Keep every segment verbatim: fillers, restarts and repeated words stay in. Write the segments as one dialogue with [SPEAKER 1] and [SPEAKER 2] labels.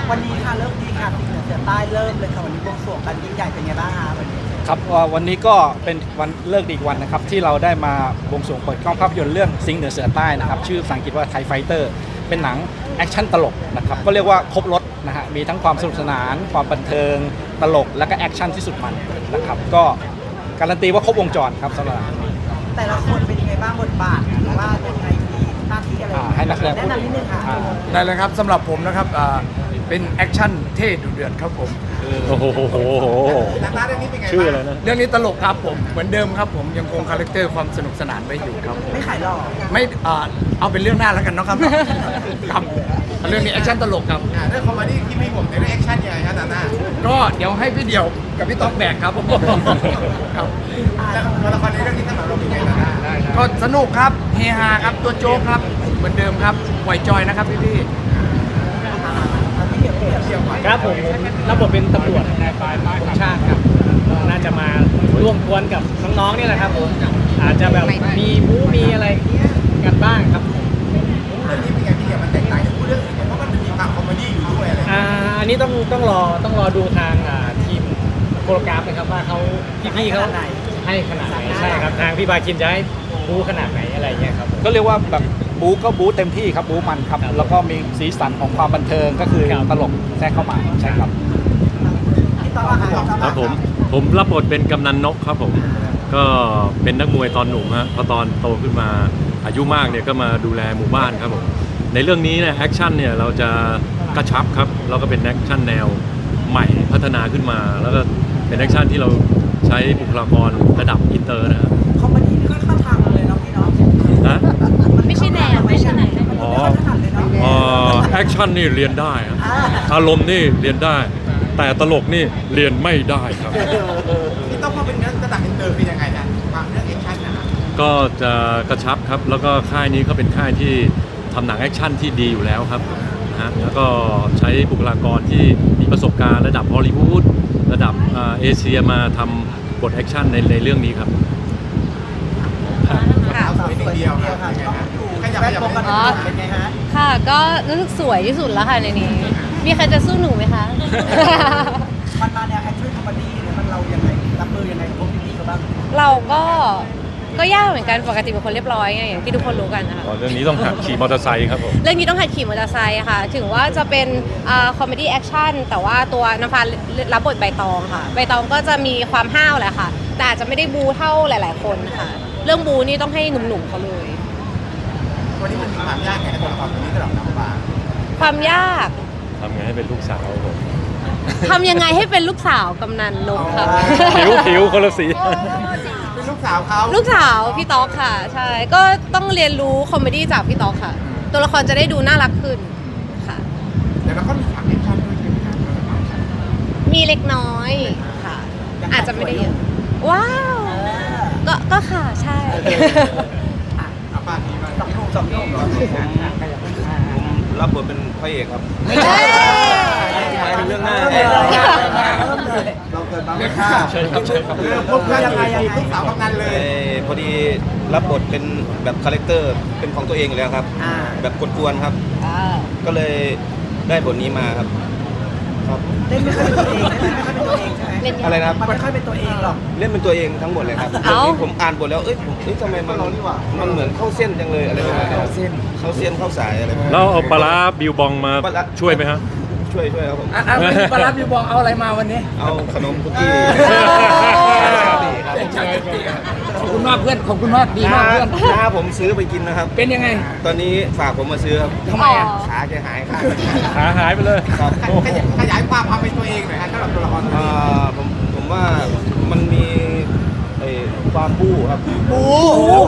[SPEAKER 1] วันนี้ค่ะเริ่มดีค่ะสิงห์เหนือเสือใต้เริ่มเลยค่ะวันนี้บวงสรวงกันยิ่งใหญ่เป็นไงบ้างคะวันนี้
[SPEAKER 2] ครับวันนี้ก็เป็นวันเลิกดีอีกวันนะครับที่เราได้มาบวงสรวงเปิดกล้องภาพยนตร์เรื่องสิงห์เหนือเสือใต้นะครับชื่อภาษาอังกฤษว่าไทยไฟเตอร์เป็นหนังแอคชั่นตลกนะครับก็เรียกว่าครบรถนะฮะมีทั้งความสนุกสนานความบันเทิงตลกและก็แอคชั่นที่สุดมันนะครับก็การันตีว่าครบวงจรครับสำหรับหนังนี้
[SPEAKER 1] แต่ละคนเป็นยังไงบ้างบทบาทหรือว่าเป็นไงมีหน้าที่อะไร
[SPEAKER 2] ให้นักแสดง
[SPEAKER 1] แนะนำนิดนึงค่ะ
[SPEAKER 3] ได้เลยครับสำหรับผมนะครับอ่าเป็นแอคชั่นเท่ดุเดือดครับผม
[SPEAKER 2] โอ้โห
[SPEAKER 3] หนังเรื่องนี้เป็นไง
[SPEAKER 2] ชื่ออะไรนะ
[SPEAKER 3] เรื่องนี้ตลกครับผมเหมือนเดิมครับผมยังคงคาแรคเตอร์ความสนุกสนานไว้อยู่ครับผม
[SPEAKER 1] ไม่ขายหรอก
[SPEAKER 3] ไม่อ่าเอาเป็นเรื่องหน้าแล้วกันเนาะครับครับเรื่องนี้แอคชั่นตลกครับ
[SPEAKER 4] เรื่องคอมเมดี้ที่ไม่ผมในเรื่องแอคชั่นยังไงครับตาหน้า
[SPEAKER 3] ก็เดี๋ยวให้พี่เดี่ยวกับพี่ต๊อกแบกครับผมครับ
[SPEAKER 4] ตัวละครในเรื่องนี้สำหรับเราเป็นไงตาหน้าได้
[SPEAKER 3] ก็สนุกครับเฮฮาครับตัวโจ๊กครับเหมือนเดิมครับปล่อยจอยนะครับพี่พี่
[SPEAKER 1] ที่เดียวเดียวเดียว
[SPEAKER 5] ครับผมรับบทเป็นตำรวจนายปลายไม้ของชาติครับน่าจะมาร่วมกวนกับน้องๆนี่แหละครับผมอาจจะแบบมีบู๊มีอะไรกันบ้างครับผม
[SPEAKER 4] เรื่องนี้เป็นไงพี่เดียวมันแตกต่างจากผู้เรื่องอื่นเพราะมันมีความคอมเมดี้อยู่ด้วยอะไร
[SPEAKER 5] อ่าอันนี้ต้องต้องรอต้องรอดูทางอ่าทีมโคโรกราฟนะครับว่าเขาพี่ๆเขาให้ขนาดไหนใช่ครับทางพี่บาคินจะให้บู๊ขนาดไหนอะไรเงี้ยครับผม
[SPEAKER 2] ก็เรียกว่าแบบบู๊ก็บู๊เต็มที่ครับบู๊มันครับแล้วก็มีสีสันของความบันเทิงก็คือตลกแทรกเข้ามาใช่ครับ
[SPEAKER 1] ที่ต้องอาหาร
[SPEAKER 6] ครับผมผมรับบทเป็นกำนันนกครับผมก็เป็นนักมวยตอนหนุ่มฮะพอตอนโตขึ้นมาอายุมากเนี่ยก็มาดูแลหมู่บ้านครับผมในเรื่องนี้เนี่ยแอคชั่นเนี่ยเราจะกระชับครับแล้วก็เป็นแอคชั่นแนวใหม่พัฒนาขึ้นมา แล้วก็เป็นแอคชั่นที่เราใช้บุคลากรระดับอินเตอร์นะครับ
[SPEAKER 1] คอมเมดี้ไม่ค่อยเข้าทางเลยเนาะพี่เนาะ
[SPEAKER 6] นะ
[SPEAKER 7] ไม่ใช่แนวไม่ใช่แนว
[SPEAKER 6] อ๋อ
[SPEAKER 1] ไม่ค่อยถนัดเลยเนาะ
[SPEAKER 6] เอ่อแอคชั่นนี่เรียนได้ครับอารมณ์นี่เรียนได้ แต่ตลกนี่เรียนไม่ได้ครับ
[SPEAKER 4] ที่ต้องมาเป็นเรื่องระดับอินเตอร์คือยังไงนะความเรื่องแอคชั่นนะ
[SPEAKER 6] ก็จะกระชับครับแล้วก็ค่ายนี้ก็เป็นค่ายที่ทำหนังแอคชั่นที่ดีอยู่แล้วครับนะฮะแล้วก็ใช้บุคลากรที่มีประสบการณ์ระดับฮอลลีวูดระดับอ่าเอเชียมาทำบทแอคชั่นในในเรื่องนี้ครับ
[SPEAKER 7] ค่ะ
[SPEAKER 4] สวยหนึ่งเดียวครับเป็นไงฮะขยับ
[SPEAKER 1] แบ
[SPEAKER 4] ข
[SPEAKER 1] บ
[SPEAKER 4] ยับ
[SPEAKER 1] ปก
[SPEAKER 4] ไป
[SPEAKER 1] ติเป็นไงฮะ
[SPEAKER 7] ค่ะ ก็รู้สึกสวยที่สุดแล้วค่ะในนี้ มีใครจะสู้หนูไหมคะ
[SPEAKER 1] มันมาแนวแอคชั่นคอมเมดี้เนี่ยมันเรายังไงรับมือยังไงกับพวกพี่ๆเขาบ้าง
[SPEAKER 7] เราก็ก็ยากเหมือนกันปกติเป็นคนเรียบร้อยไงอย่างที่ทุกคนรู้กันนะคะ
[SPEAKER 6] เรื่องนี้ต้องหัดขี่มอเตอร์ไซค์ครับผม
[SPEAKER 7] เรื่องนี้ต้องหัดขี่มอเตอร์ไซค์ค่ะ ถึงว่าจะเป็นคอมเมดี้แอคชั่นแต่ว่าตัวน้ำฟ้ารับบทใบตองค่ะ ใบตองก็จะมีความห้าวแหละค่ะ แต่อาจจะไม่ได้บูเท่าหลาย ๆ คนค่ะ เรื่องบูนี่ต้องให้หนุ่มๆเขาเลย
[SPEAKER 4] วันนี้มันมีความยากไงกับตัวละครตัวนี้สำหรับน้องปลา
[SPEAKER 7] ความยาก
[SPEAKER 6] ทำไงให้เป็นลูกสาวผม
[SPEAKER 7] ทำยังไงให้เป็นลูกสาวกำนันนกค่ะ
[SPEAKER 6] ผิวผิวคนละสี
[SPEAKER 4] เป็นลูกสาวเขา
[SPEAKER 7] ลูกสาวพี่ต๊อกค่ะ ใช่ ก็ต้องเรียนรู้คอมเมดี้จากพี่ต๊อกค่ะ ตัวละครจะได้ดูน่ารักขึ้นค่ะ
[SPEAKER 4] แต่เราก็มีฉากแอคชั่นด้วยใช่ไหมครับ
[SPEAKER 7] มีเล็กน้อยค่ะ อาจจะไม่ได้เยอะว้าว ก็ก็ค่ะใช่
[SPEAKER 4] เอาป้าทีมา
[SPEAKER 1] สองหนุ่มสองหนุ่มเหรอ
[SPEAKER 8] รับบทเป็นพระเอกครับ
[SPEAKER 7] ไม่ใช่
[SPEAKER 8] หมายถึงเรื่องหน้า
[SPEAKER 1] เริ่มเลยเริ่มเลย
[SPEAKER 4] เราเกิดมาไม่ฆ่า
[SPEAKER 6] ใช่ครับใช่ครับ
[SPEAKER 4] เริ่มพบกันยังไงยังไงลูกสาวกำนันเลย
[SPEAKER 8] เอ่อพอดีรับบทเป็นแบบคาแรคเตอร์เป็นของตัวเองอยู่แล้วครับ
[SPEAKER 1] อ่า
[SPEAKER 8] แบบกวนๆครับ ก็เลยได้บทนี้มาครับครับ
[SPEAKER 1] เล่นไม่ค่อยเป็นตัวเองเล่นไม่ค่อยเป็นตัวเองใช่ไหม
[SPEAKER 7] เล่นยัง
[SPEAKER 8] อะไรนะครับ
[SPEAKER 1] มันไม่ค่อยเป็นตัวเองหรอก
[SPEAKER 8] เล่นเป็นตัวเองทั้งหมดเลยครับ
[SPEAKER 7] เอ้า
[SPEAKER 8] ที่ผมอ่านบทแล้วเอ้ยผมเอ้ยทำไมมันมันเหมือนเข้าเส้นจังเลยอะไรประมาณนี้เข้าเส้นเข้าเส้นเข้าสายอะไรประมาณนี้
[SPEAKER 6] แล้วเอาปลาร้าบิวบองมา
[SPEAKER 8] ปลาร้า
[SPEAKER 6] ช่วยไหมฮะ
[SPEAKER 8] ช่วยช่วยครับผม
[SPEAKER 3] อ่ะอ่ะวันนี้ปลาร้าพี่บอกเอาอะไรมาวันนี้
[SPEAKER 8] เอาขนมคุกกี้
[SPEAKER 3] ขอบคุณมากเพื่อนขอบคุณมากดีมากเพื่อน
[SPEAKER 8] น้าผมซื้อไปกินนะครับ
[SPEAKER 3] เป็นยังไง
[SPEAKER 8] ตอนนี้ฝากผมมาซื้อครับ
[SPEAKER 3] ทำไมอ่ะ
[SPEAKER 8] ขาแกหายข้าง
[SPEAKER 6] ขาหายไปเลย
[SPEAKER 8] ครับ
[SPEAKER 4] ขยายขยายความความเป็นตัวเองหน่อยฮะสำหรับตัวละครตัว
[SPEAKER 8] อ่
[SPEAKER 4] นี้
[SPEAKER 8] าผมผมว่ามันมีไอ้ความบู้ครับ
[SPEAKER 1] บู๊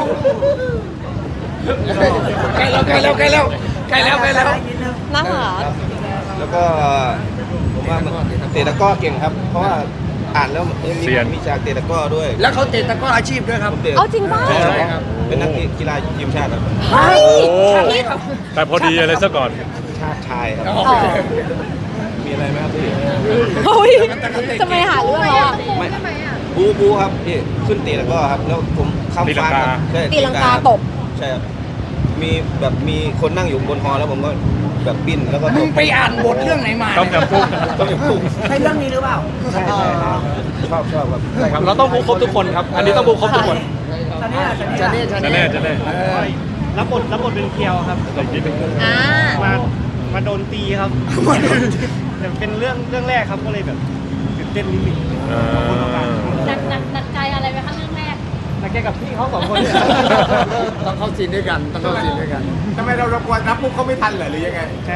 [SPEAKER 3] ใกล้แล้วใกล้แล้วใกล้แล้วใกล้แล้วใกล้แล้ว
[SPEAKER 1] นิดนึง
[SPEAKER 7] น่ารัก
[SPEAKER 8] แล้วก็ผมว่ามันเตะตะกร้อเก่งครับ เพราะว่าอ่านแล้วเอ้ยมี
[SPEAKER 6] เซียน
[SPEAKER 8] มีฉากเตะตะกร้อด้วย
[SPEAKER 3] แล้วเขาเตะตะกร้ออาชีพด้วยครับ
[SPEAKER 8] ผมเตะ
[SPEAKER 7] เอาจริงป่ะ
[SPEAKER 8] ใช่
[SPEAKER 3] ใช่ค
[SPEAKER 8] ค
[SPEAKER 3] รั
[SPEAKER 8] รับ บเป็นนักกีฬาทีมชาติครับ
[SPEAKER 7] เฮ้ย
[SPEAKER 6] โอ้แต่พอดีอะไรซะก่อน
[SPEAKER 8] ชาติชายครับ
[SPEAKER 7] อ๋อ
[SPEAKER 8] มีอะไรไหมครับพี่
[SPEAKER 7] เฮ้ยจะไม่หาเรื่องแล้วอ่ะ
[SPEAKER 8] ไม่บูบูครับพี่ขึ้นเตะตะกร้อครับแล้วผมข้าม
[SPEAKER 6] ตีลัง
[SPEAKER 8] ฟาด
[SPEAKER 6] กา
[SPEAKER 8] ครับใช่
[SPEAKER 7] ตีลังกาตบ
[SPEAKER 8] ใช่ครับมีแบบมีคนนั่งอยู่บนฮอแล้วผมก็แบบปิ้นแล้วก็
[SPEAKER 3] มึงไปอ่านบทเรื่องไหนมา
[SPEAKER 6] ต้มยำกุ้ง
[SPEAKER 8] ต้มยำกุ้ง
[SPEAKER 1] ใช่เรื่องนี้หรือเปล่า
[SPEAKER 2] ใช่ใช่ครับ
[SPEAKER 8] ชอบชอบแบบ
[SPEAKER 2] ใช่ครับเราต้องบูครบทุกคนครับ อันนี้ต้องบูครบทุกคน
[SPEAKER 1] ตอนนี้อะตอนนี้
[SPEAKER 3] จะ
[SPEAKER 1] อะ
[SPEAKER 3] เนี่ย
[SPEAKER 6] จะแน่จะแน่
[SPEAKER 5] รับบทรับบทเป็นเคียวครับ
[SPEAKER 7] อ่า
[SPEAKER 5] มามาโดนตีครับแต่เป็นเรื่องเรื่องแรกครับก็เลยแบบตื่นเต้นนิดนึง
[SPEAKER 6] อ่า
[SPEAKER 9] หนักหนักหนักใจอะไรไหมคะเรื่องแรก
[SPEAKER 5] นักแกกับพี่เขาสองคนเนี่ย
[SPEAKER 3] ต้องเข้าซีนด้วยกันต้องเข้าซีนด้วยกัน
[SPEAKER 4] ทำไมเราเรากลัวรับมุกเขาไม่ทันเหรอหรือยังไง
[SPEAKER 5] ใช่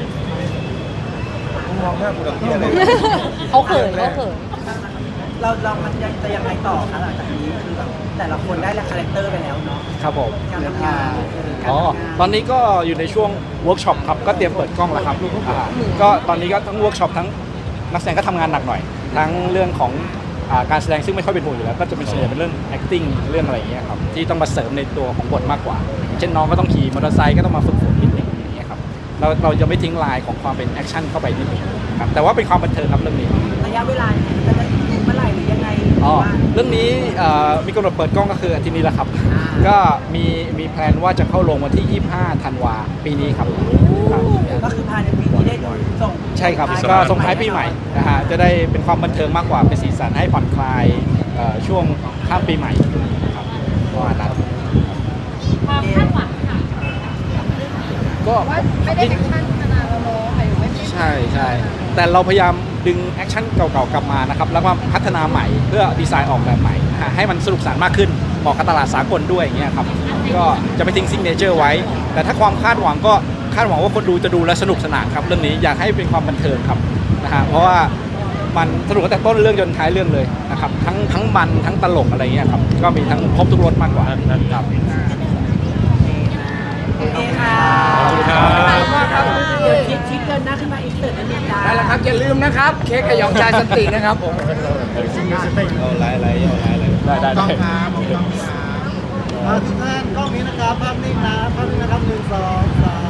[SPEAKER 8] มองหน้ากูแบบเหี้ยเลย
[SPEAKER 7] เขาเขินเขาเขิน
[SPEAKER 1] เราเรามันยังจะยังไงต่อคะหลังจากนี้คือแบบแต่ละคนได้ละคาแรคเตอร์ไปแล้วเนาะ
[SPEAKER 2] ครับผม
[SPEAKER 1] การทำงานการ
[SPEAKER 2] อ๋อ
[SPEAKER 1] ทำงาน
[SPEAKER 2] ตอนนี้ก็อยู่ในช่วงเวิร์กช็อปครับ ก็เตรียมเปิดกล้องแล้วครับอ่าก็ตอนนี้ก็ทั้งเวิร์กช็อปทั้งนักแสดงก็ทำงานหนักหน่อย ทั้งเรื่องของอ่าการแสดงซึ่งไม่ค่อยเป็นห่วงอยู่แล้ว ก็จะเป็นส่วนใหญ่เป็นเรื่อง acting เรื่องอะไรอย่างเงี้ยครับ ที่ต้องมาเสริมในตัวของบทมากกว่าอย่างเช่นน้องก็ต้องขี่มอเตอร์ไซค์ก็ต้องมาฝึกฝนนิดนึงอย่างเงี้ยครับ เราเราจะไม่ทิ้งลายของความเป็นแอคชั่นเข้าไปนิดนึงครับ แต่ว่าเป็นความบันเทิงครับเรื่องนี้
[SPEAKER 1] ระยะเวลาจะได้เมื่อไหร่หรือยังไงหรือ
[SPEAKER 2] อ๋อ
[SPEAKER 1] ว่า
[SPEAKER 2] เรื่องนี้เอ่อมีกำหนดเปิดกล้องก็คืออาทิตย์นี้แหละครับ
[SPEAKER 1] อ่า
[SPEAKER 2] ก็มีมีแพลนว่าจะเข้าลงวันที่ ยี่สิบห้า ธันวาปีนี้ครับครับ
[SPEAKER 1] ก็คือภายในปีนี้ได้ดูส่ง
[SPEAKER 2] ใช่ครับ
[SPEAKER 1] ท้าย
[SPEAKER 2] ก็ส่งท้ายปีใหม่นะฮะจะได้เป็นความบันเทิงมากกว่าเป็นสีสันให้ผ่อนคลายเอ่อช่วงข้ามปีใหม่ครับประมาณนั้น
[SPEAKER 9] ความคาดหวังค่ะ
[SPEAKER 2] ก็
[SPEAKER 9] ว่าไม่ได้แอคชั่นขนาดเราโน้ค่ะอยู่ไม่ได้
[SPEAKER 2] ใช่ใช่แต่เราพยายามดึงแอคชั่นเก่าๆกลับมานะครับแล้วมาพัฒนาใหม่เพื่อดีไซน์ออกแบบใหม่นะฮะให้มันสนุกสนานมากขึ้นเหมาะกับตลาดสากลด้วยอย่างเงี้ยครับก็จะไปทิ้งซิกเนเจอร์ไว้ แต่ถ้าความคาดหวังก็คาดหวังว่าคนดูจะดูและสนุกสนานครับเรื่องนี้อยากให้เป็นความบันเทิงครับนะฮะเพราะว่ามันสนุกตั้งแต่ต้นเรื่องจนท้ายเรื่องเลยนะครับทั้งทั้งมันทั้งตลกอะไรเงี้ยครับก็มีทั้งครบทุกรสมากกว่าครับ
[SPEAKER 1] โอเคค่ะ
[SPEAKER 6] ขอบคุณครับ
[SPEAKER 1] เดี๋ยวชิดชิดเดินหน้าขึ้นมาอีกเสิร์ตนิดนึงจ้า
[SPEAKER 3] ได้แล้วครับอย่าลืมนะครับ เค้กกระหยองชายสันตินะครับผม
[SPEAKER 8] เอาไล่ไล่เอาไล่ไล่
[SPEAKER 2] ได้ได้
[SPEAKER 4] ต้อง
[SPEAKER 2] ได้
[SPEAKER 4] ครับต้องครับ
[SPEAKER 1] ทุกท่านกล้องนี้นะครับภาพนิ่งนะภาพนิ่งนะครับหนึ่งสองสาม